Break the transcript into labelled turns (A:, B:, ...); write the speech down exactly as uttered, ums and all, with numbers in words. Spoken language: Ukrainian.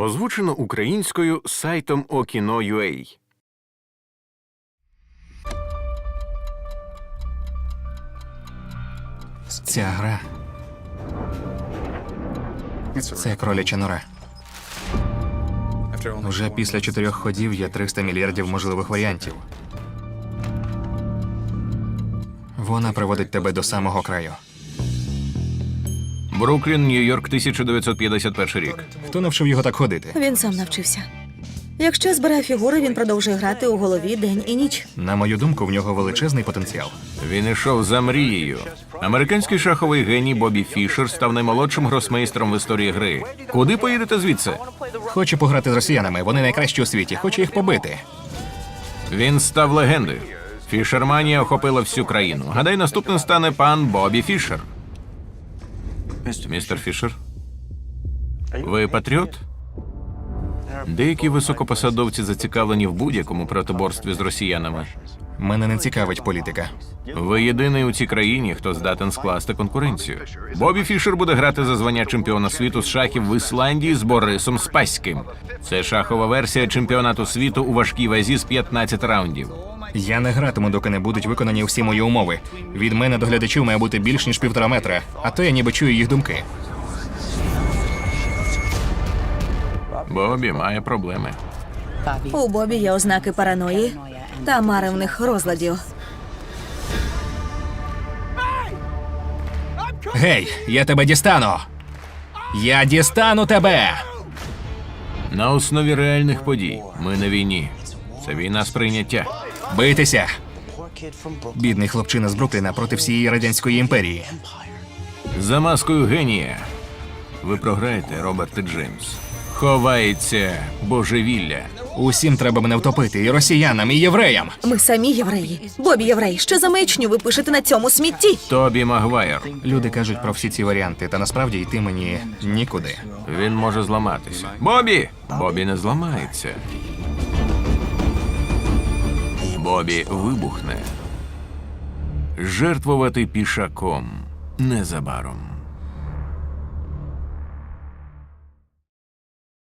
A: Озвучено українською сайтом Okino.ua.
B: Ця гра – це кроляча нора. Вже після чотирьох ходів є триста мільярдів можливих варіантів. Вона приводить тебе до самого краю.
A: Бруклін, Нью-Йорк, тисяча дев'ятсот п'ятдесят перший рік.
B: Хто навчив його так ходити?
C: Він сам навчився. Якщо збирає фігури, він продовжує грати у голові день і ніч.
B: На мою думку, в нього величезний потенціал.
A: Він ішов за мрією. Американський шаховий геній Бобі Фішер став наймолодшим гросмейстером в історії гри. Куди поїдете звідси?
B: Хоче пограти з росіянами, вони найкращі у світі, хоче їх побити.
A: Він став легендою. Фішерманія охопила всю країну. Гадай, наступним стане пан Бобі Фішер. Містер Фішер? Ви патріот? Деякі високопосадовці зацікавлені в будь-якому протиборстві з росіянами.
B: Мене не цікавить політика.
A: Ви єдиний у цій країні, хто здатен скласти конкуренцію. Бобі Фішер буде грати за звання чемпіона світу з шахів в Ісландії з Борисом Спаським. Це шахова версія чемпіонату світу у важкій вазі з п'ятнадцяти раундів.
B: Я не гратиму, доки не будуть виконані всі мої умови. Від мене до глядачів має бути більш ніж півтора метра, а то я ніби чую їх думки.
A: Бобі має проблеми.
C: У Бобі є ознаки параної та маревних розладів.
B: Гей, я тебе дістану! Я дістану тебе!
A: На основі реальних подій. Ми на війні. Це війна сприйняття.
B: Бийтеся! Бідний хлопчина з Брукліна проти всієї Радянської імперії.
A: За маскою генія. Ви програєте, Роберте Джеймс. Ховається божевілля.
B: Усім треба мене втопити, і росіянам, і євреям.
C: Ми самі євреї. Бобі єврей. Що за маячню ви пишете на цьому смітті?
A: Тобі Магвайр.
B: Люди кажуть про всі ці варіанти, та насправді йти мені нікуди.
A: Він може зламатися. Бобі! Бобі не зламається. Бобі вибухне. Жертвувати пішаком незабаром.